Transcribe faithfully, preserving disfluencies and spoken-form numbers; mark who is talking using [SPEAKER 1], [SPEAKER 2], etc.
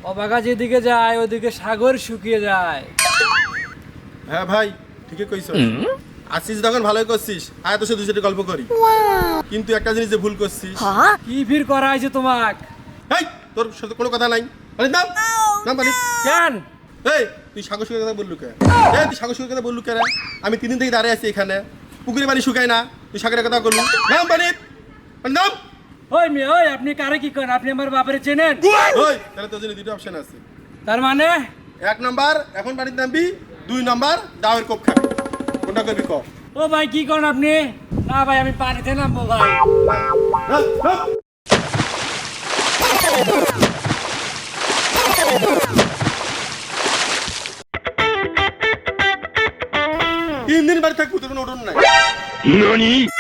[SPEAKER 1] অবাগা যেদিকে যায় ওদিকে সাগর শুকিয়ে যায়।
[SPEAKER 2] হ্যাঁ ভাই ঠিকই কইছ। আসিস যখন ভালোই করছিস, আয় তো সে দুই চারটে গল্প করি। কিন্তু একটা জিনিস যে ভুল করছিস।
[SPEAKER 1] কি ফির করা হয়েছে তোমাক?
[SPEAKER 2] এই তোর সাথে কোনো কথা নাই। মানে নাম নাম মানে
[SPEAKER 1] কেন?
[SPEAKER 2] এই তুই সাগর শুকিয়ে কথা বললু কে? এই তুই সাগর শুকিয়ে কথা বললু কে রে? আমি তিন দিন থেকে দাঁড়িয়ে আছি এখানে, পুকুরে পানি শুকায় না, তুই সাগরের কথা বললু। নাম পানি নাম।
[SPEAKER 1] ওই মেয়ে ওই, আপনি কারে কি করেন? আপনি আমার বাপরে চেনেন?
[SPEAKER 2] ওই তাহলে তোর জন্য দুটো অপশন আছে।
[SPEAKER 1] তার মানে
[SPEAKER 2] এক নাম্বার এখন পানিতে নামবি, দুই নাম্বার দাওয়ের কোপ খাবি। কোনটা করবি ক?
[SPEAKER 1] ও ভাই কি করেন আপনি? না ভাই আমি পানিতে নামবো ভাই।
[SPEAKER 2] নাম, নাম। তিন দিন বাড়ি থাকবো, তোর কোনো উঠোন নাই।